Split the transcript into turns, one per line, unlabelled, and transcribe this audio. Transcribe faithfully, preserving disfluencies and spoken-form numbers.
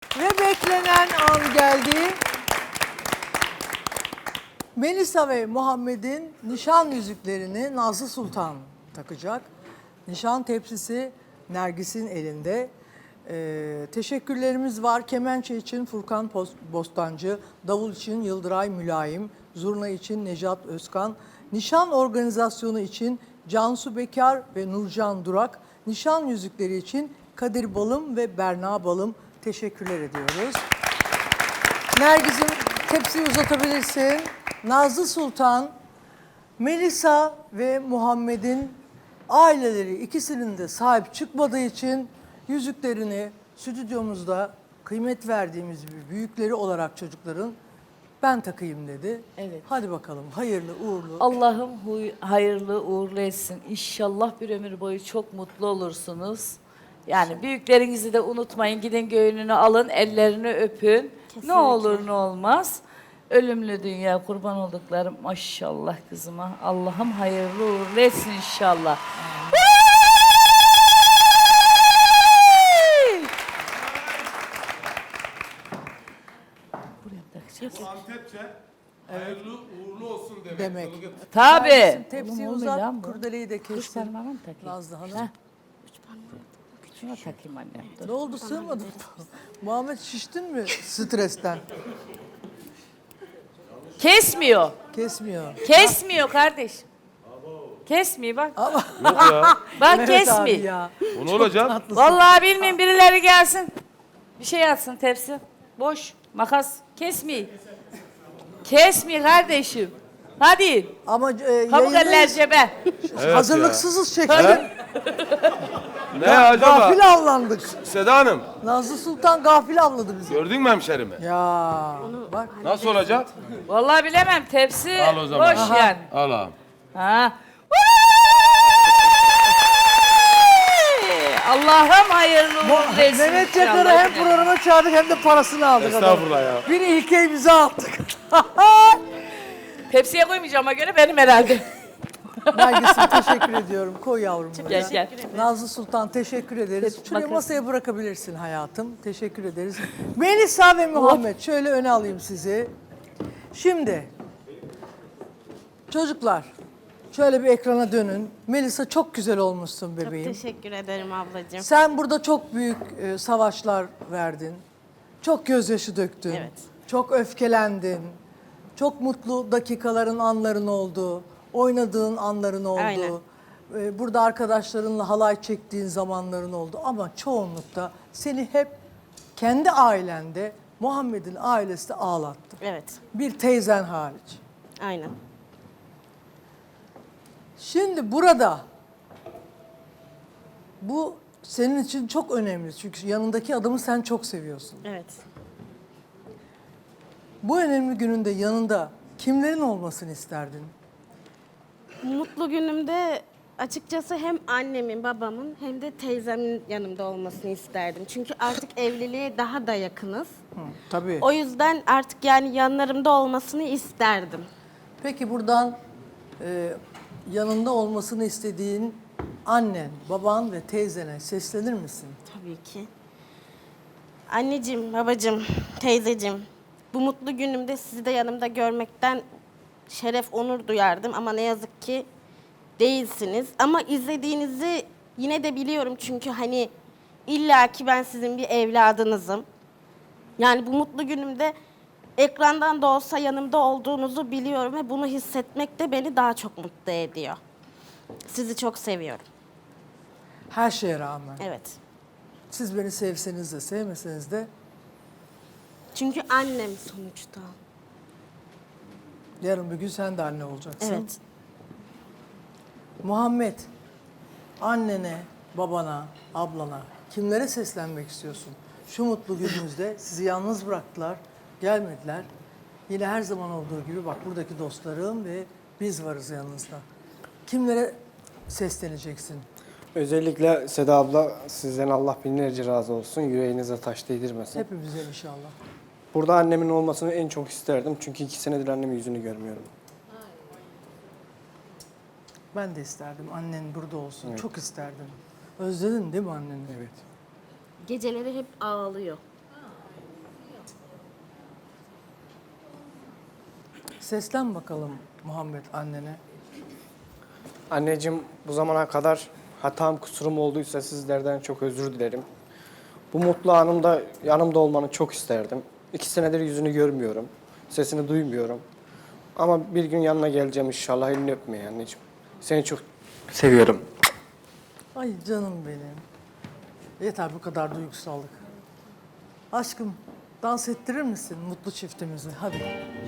Ve beklenen an geldi. Melisa ve Muhammed'in nişan yüzüklerini Nazlı Sultan takacak. Nişan tepsisi Nergis'in elinde. Ee, teşekkürlerimiz var. Kemençe için Furkan Bostancı, davul için Yıldıray Mülayim, zurna için Necat Özkan, nişan organizasyonu için Cansu Bekar ve Nurcan Durak, nişan yüzükleri için Kadir Balım ve Berna Balım teşekkürler ediyoruz. Nergis'im tepsiyi uzatabilirsin. Nazlı Sultan, Melisa ve Muhammed'in aileleri ikisinin de sahip çıkmadığı için yüzüklerini stüdyomuzda kıymet verdiğimiz bir büyükleri olarak çocukların ben takayım dedi.
Evet.
Hadi bakalım hayırlı uğurlu.
Allah'ım huy- hayırlı uğurlu etsin. İnşallah bir ömür boyu çok mutlu olursunuz. Yani büyüklerinizi de unutmayın. Gidin göğününü alın, ellerini öpün.
Kesinlikle.
Ne olur ne olmaz. Ölümlü dünya kurban olduklarım maşallah kızıma. Allah'ım hayırlı uğurlu etsin inşallah. Buraya mı takacağız?
Antepçe hayırlı uğurlu olsun demek.
Demek.
Tabii.
Tepsiyi
Oğlum,
uzat,
olmuyor lan bu.
kurdeleyi de
Kız
kestin.
parmağına mı takayım?
Nazlı Hanım.
Heh. Şuna takayım annem. Dur.
Ne oldu, sığmadın mı? Muhammed, şiştin mi stresten?
Kesmiyor.
Kesmiyor.
Kesmiyor kardeş. Kesmiyor bak.
Yok ya.
Bak
Evet
kesmiyor.
abi ya.
O ne olacak?
Vallahi bilmiyorum, birileri gelsin. Bir şey atsın tepsi. Boş. Makas. Kesmiyor. Kesmiyor kardeşim. Hadi.
Ama e,
Pamuk eller
yayındayız.
cebe.
Evet
Hazırlıksızız çekti.
Ne acaba?
Gafil avlandık.
Seda Hanım
Nazlı Sultan gafil avladı bizi.
gördün mü hemşerimi?
Ya bak.
Nasıl olacak?
Vallahi bilemem, tepsi
Al o zaman.
boş
Aha.
yani.
Al ağam.
Ha. Allah'ım hayırlı uğurlu etsin.
Mehmet
inşallah.
Çakar'ı hem programa çağırdık hem de parasını aldık.
Estağfurullah ya.
Bir ilkeyi bize attık.
Tepsiye koymayacağıma göre benim herhalde.
Nergis'im teşekkür ediyorum. Koy yavrum buraya.
Gel gel.
Nazlı Sultan teşekkür ederiz.
Hep
Şuraya
makası.
masaya bırakabilirsin hayatım. Teşekkür ederiz. Melisa ve Muhammed şöyle öne alayım sizi. Şimdi çocuklar şöyle bir ekrana dönün. Melisa çok güzel olmuşsun
Çok
bebeğim.
teşekkür ederim ablacığım.
Sen burada çok büyük e, savaşlar verdin. Çok gözyaşı döktün.
Evet.
Çok öfkelendin. Çok mutlu dakikaların, anların oldu. Oynadığın anların oldu.
Aynen.
E, burada arkadaşlarınla halay çektiğin zamanların oldu. Ama çoğunlukta seni hep kendi ailende, Muhammed'in ailesi de ağlattı.
Evet,
Bir teyzen hariç.
aynen.
Şimdi burada bu senin için çok önemli. Çünkü yanındaki adamı sen çok seviyorsun.
Evet.
Bu önemli gününde yanında kimlerin olmasını isterdin?
Mutlu günümde açıkçası hem annemin, babamın hem de teyzemin yanımda olmasını isterdim. Çünkü artık evliliğe daha da yakınız.
Hı, tabii.
O yüzden artık yani yanlarımda olmasını isterdim.
Peki buradan e, yanında olmasını istediğin annen, baban ve teyzene seslenir misin?
Tabii ki. Anneciğim, babacığım, teyzeciğim, bu mutlu günümde sizi de yanımda görmekten şeref, onur duyardım ama ne yazık ki değilsiniz. Ama izlediğinizi yine de biliyorum çünkü hani illaki ben sizin bir evladınızım. Yani bu mutlu günümde ekrandan da olsa yanımda olduğunuzu biliyorum ve bunu hissetmek de beni daha çok mutlu ediyor. Sizi çok seviyorum.
Her şeye rağmen.
Evet.
Siz beni sevseniz de sevmeseniz de
Çünkü annem sonuçta.
yarın bir gün sen de anne olacaksın.
Evet.
Muhammed, annene, babana, ablana kimlere seslenmek istiyorsun? Şu mutlu gününüzde sizi yalnız bıraktılar, gelmediler. Yine her zaman olduğu gibi bak buradaki dostlarım ve biz varız yanınızda. Kimlere sesleneceksin?
Özellikle Seda abla sizden Allah binlerce razı olsun. Yüreğinize taş değdirmesin.
Hepimize inşallah.
Burada annemin olmasını en çok isterdim. Çünkü iki senedir annemin yüzünü görmüyorum.
Ben de isterdim annen burada olsun.
Evet.
Çok isterdim. Özledin değil mi anneni?
Evet.
Geceleri hep ağlıyor.
Seslen bakalım Muhammed annene.
Anneciğim, bu zamana kadar hatam kusurum olduysa sizlerden çok özür dilerim. Bu mutlu anımda yanımda olmanı çok isterdim. İki senedir yüzünü görmüyorum. Sesini duymuyorum. Ama bir gün yanına geleceğim inşallah, elini öpmeye anneciğim. Seni çok seviyorum.
Ay canım benim. Yeter bu kadar duygusallık. Aşkım dans ettirir misin mutlu çiftimizi? Hadi.